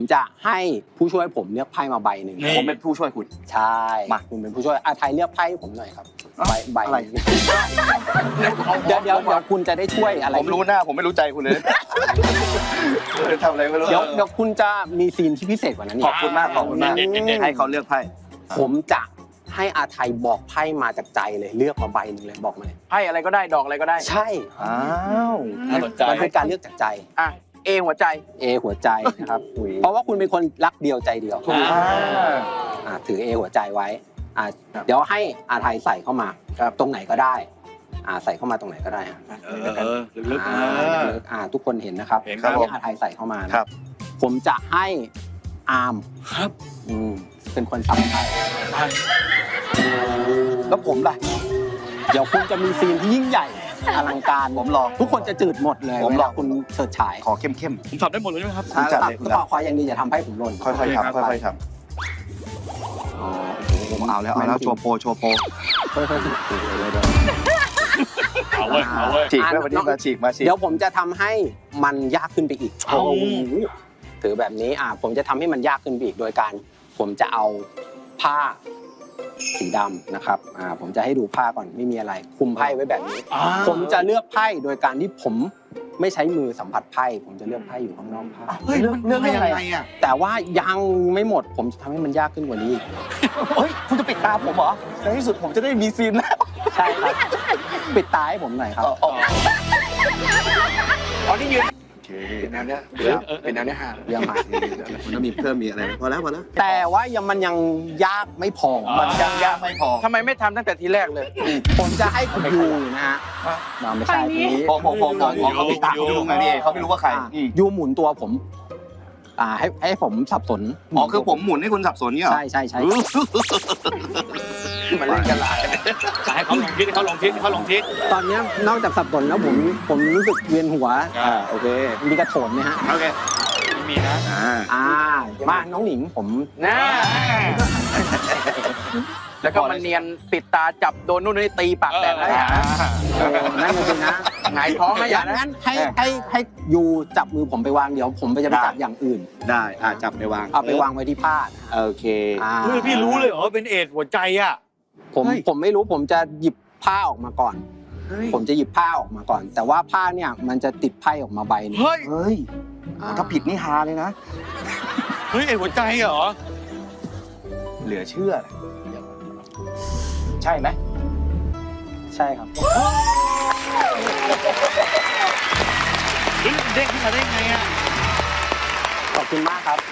จะให้ผู้ช่วยผมเลือกไพ่มาใบหนึ่งผมเป็นผู้ช่วยคุณใช่มาคุณเป็นผู้ช่วยไทยเลือกไพ่ให้ผมหน่อยครับใบอะไรเดี๋ยวคุณจะได้ช่วยอะไรผมรู้หน้าผมไม่รู้ใจคุณเลยทำอะไรไม่รู้เดี๋ยวคุณจะมีซีนที่พิเศษกว่านั้นขอบคุณมากขอบคุณมากเด็ดให้เขาเลือกไพ่ผมจะให้อาไทยบอกไพ่มาจากใจเลยเลือกมาใบหนึ่งเลยบอกมาเลยไพ่อะไรก็ได้ดอกอะไรก็ได้ใช่อ้าวน่าสนใจมันเป็นการเลือกจากใจอ่ะเอหัวใจ A หัวใจนะครับเพราะว่าคุณเป็นคนรักเดียวใจเดียว ถือ A หัวใจไว้เดี๋ยวให้อาไทยใส่เข้ามาตรงไหนก็ได้ใส่เข้ามาตรงไหนก็ได้ฮะลึกๆทุกคนเห็นนะครับเห็นครับให้อาไทยใส่เข้ามานะครับ ผมจะให้อาร์มครับเป็นคนสับไพ่แล้วผมล่ะเดี๋ยวคุณจะมีซีนที่ยิ่งใหญ่อลังการผมรอทุกคนจะจืดหมดเลยผมเวรอลาคุณเฉิดฉายขอเข้มผมสับได้หมดเลยใช่ไหมครับคุณจัดเลยก็ขออย่างดีอย่าทำให้ผมหล่นๆค่อยๆทำค่อยๆทอ๋อำผมเอาแล้วโชว์โปรค่อยๆถือเลยเอาเว้ยเอาเว้ยฉีกไว้วันนี้มาฉีกเดี๋ยวผมจะทำให้มันยากขึ้นไปอีกเอาถือแบบนี้ผมจะทำให้มันยากขึ้นไปอีกโดยการผมจะเอาผ้าสีดำนะครับผมจะให้ดูผ้าก่อนไม่มีอะไรคุมไพ่ไว้แบบนี้ ผมจะเลือกไพ่โดยการที่ผมไม่ใช้มือสัมผัสไพ่ผมจะเลือกไพ่อยู่ข้างนอกผ้าเฮ้ยเรื่องยังไงอ่ะแต่ว่ายังไม่หมดผมจะทำให้มันยากขึ้นกว่านี้อีกเฮ้ยคุณจะปิดตาผมเหรอในที่สุดผมจะได้มีซีนแล้วใช่ครับปิดตาให้ผมหน่อยครับอ๋อนี่ยืนโอเคเป็นแนวเนี้ยเป็นแนวเนี้ยฮะเรื่องมามันต้องมีเพิ่มมีอะไรพอแล้วแต่ว่ามันยังยากไม่พอมันยังยากไม่พอทำไมไม่ทำตั้งแต่ทีแรกเลยผมจะให้คุณยูนะฮะไม่ใช่ทีนี้ผมเขาปิดตาเขาดูไงพี่เขาไม่รู้ว่าใครยูหมุนตัวผมให้ผมสับสนอ๋อคือผมหมุนให้คุณสับสนเนี่ยเหรอใช่มันเล่นกันหลายให้เขาลงทิศให้เขาลงทิศให้เขาลงทิศตอนนี้นอกจากสับสนแล้วผมรู้สึกเวียนหัวโอเคมีกระโถนไหมฮะโอเคไม่มีนะมาน้องหนิงผมนะแล้วก็มันเนียนปิดตาจับโดนนู่นนี่ตีปากแตกแล้วอย่านะนั่นจริงนะหงายท้องนะอย่านะงั้นให้ยูจับมือผมไปวางเดี๋ยวผมจะไปจับอย่างอื่นได้จับไปวางเอาไปวางไว้ที่ผ้านะฮะโอเคเฮ้ยพี่รู้เลยเหรอว่าเป็นเอดส์หัวใจอ่ะผมไม่รู้ผมจะหยิบผ้าออกมาก่อน ผมจะหยิบผ้าออกมาก่อน แต่ว่าผ้าเนี่ยมันจะติดไพ่ออกมาใบนึงเฮ้ยเฮ้ยถ้าผิดนี่ฮาเลยนะเฮ้ยเอดส์หัวใจเหรอเหลือเชื่อ ใช่ไหมใช่ครับเฮ้ยเด้งขึ้นมาได้ไงอ่ะขอบคุณมากครับ